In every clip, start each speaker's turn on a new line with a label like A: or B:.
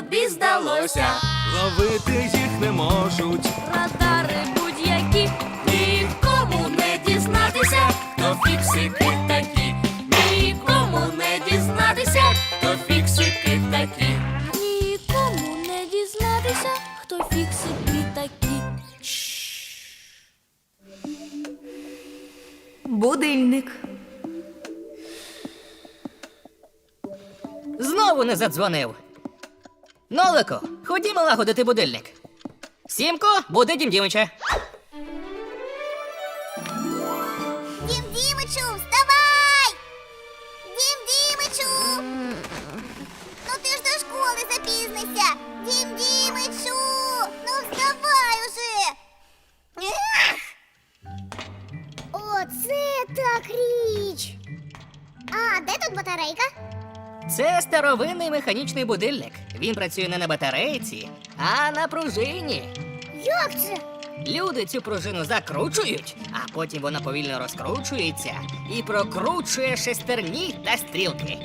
A: тобі здалося.
B: Ловити їх не можуть.
A: Радари будь-які, нікому не дізнатися, хто фіксики такі. Нікому не дізнатися, хто фіксики такі. Нікому не дізнатися, хто фіксики такі.
C: Будильник.
D: Знову не задзвонив. Нолико, ходімо лагодити будильник. Сімко, буди Дім Дімича.
E: Дім Дімичу, вставай! Дім Дімичу! Ну ти ж до школи запізнися! Дім Дімичу! Ну вставай уже! Ех! Оце так річ! А де тут батарейка?
D: Це старовинний механічний будильник. Він працює не на батарейці, а на пружині.
E: Як це?
D: Люди цю пружину закручують, а потім вона повільно розкручується і прокручує шестерні та стрілки.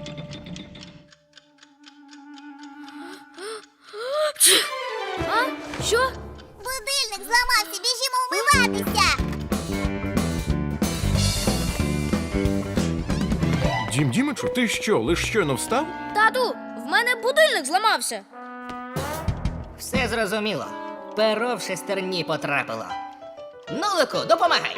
A: А? Що?
E: Будильник зламався, біжімо вмиватися!
B: Дім Дімичу, ти що, лиш щойно встав?
A: Тату, в мене будильник зламався.
D: Все зрозуміло. Перо в шестерні потрапило. Нолику, допомагай!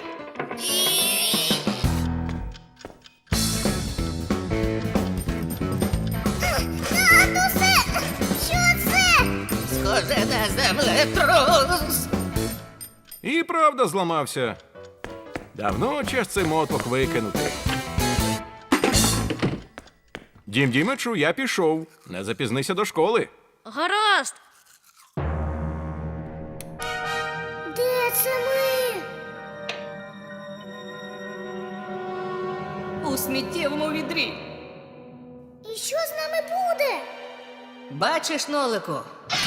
E: Татусе! Що це?
D: Схоже на землетрус.
B: І правда зламався. Давно час цей моток викинути. Дім Дімичу, я пішов. Не запізнися до школи.
A: Гаразд.
E: Де це ми?
D: У сміттєвому відрі.
E: І що з нами буде?
D: Бачиш, Нолику?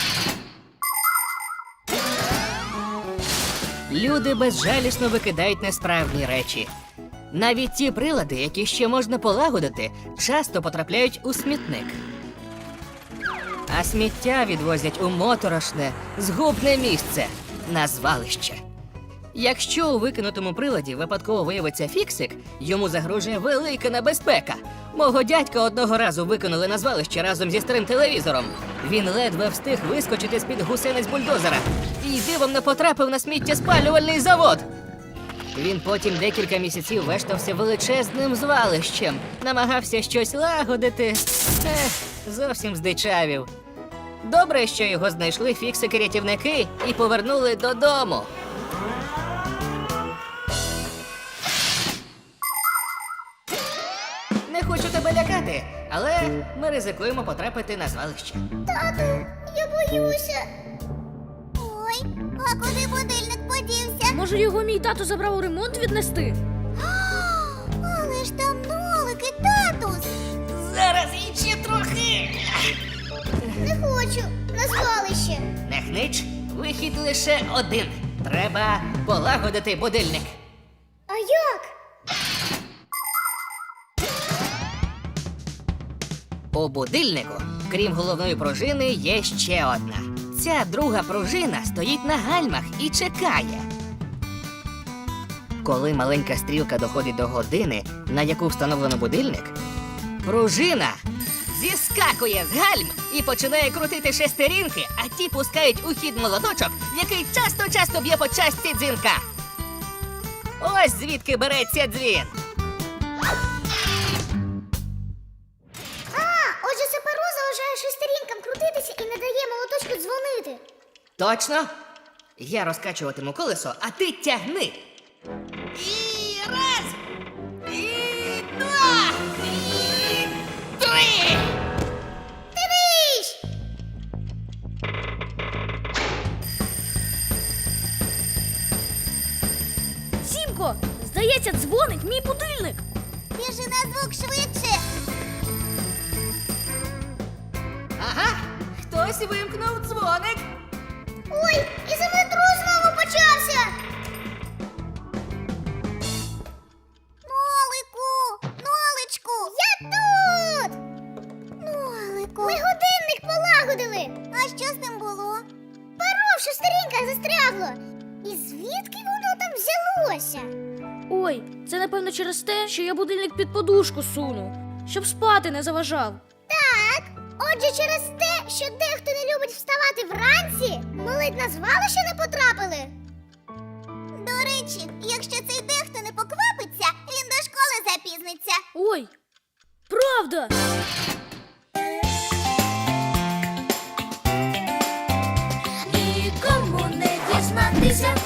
D: Люди безжалісно викидають несправні речі. Навіть ті прилади, які ще можна полагодити, часто потрапляють у смітник. А сміття відвозять у моторошне, згубне місце – на звалище. Якщо у викинутому приладі випадково виявиться фіксик, йому загрожує велика небезпека. Мого дядька одного разу викинули на звалище разом зі старим телевізором. Він ледве встиг вискочити з-під гусениць бульдозера і дивом не потрапив на сміттєспалювальний завод. Він потім декілька місяців вештався величезним звалищем, намагався щось лагодити. Зовсім здичавів. Добре, що його знайшли фіксики-рятівники і повернули додому. Не хочу тебе лякати, але ми ризикуємо потрапити на звалище.
E: Тату, я боюся. Ой, а куди будильник подівся?
A: Може, його мій тато забрав у ремонт віднести?
E: Але ж там Нолик і татус.
D: Зараз іще трохи.
E: Не хочу на звалище.
D: Не хнич, вихід лише один. Треба полагодити будильник.
E: А як?
D: У будильнику, крім головної пружини, є ще одна. Ця друга пружина стоїть на гальмах і чекає. Коли маленька стрілка доходить до години, на яку встановлено будильник, пружина зіскакує з гальм і починає крутити шестерінки, а ті пускають у хід молоточок, який часто-часто б'є по частці дзвінка. Ось звідки береться дзвін.
E: Отже, це перо заважає шестерінкам крутитися і не дає молоточку дзвонити.
D: Точно? Я розкачуватиму колесо, а ти тягни. І раз, і два, і три.
E: Дивись!
A: Сімко, здається, дзвонить мій будильник.
E: Біжи на звук швидше.
D: Ага, хтось вимкнув дзвоник.
E: Ой, і землетрус знову почався. Нолику! Ноличку! Я тут! Нолику! Ми годинник полагодили. що з ним було? Перо в шестереньках застрягло. І звідки воно там взялося?
A: Ой, це напевно через те, що я будильник під подушку суну, щоб спати не заважав.
E: Так, отже, через те, що дехто не любить вставати вранці, ми ледь на звалище не потрапили. До речі, якщо цей дехто не поквапиться, він до школи запізниться.
A: Ой, правда!
E: Нікому не дізнатися,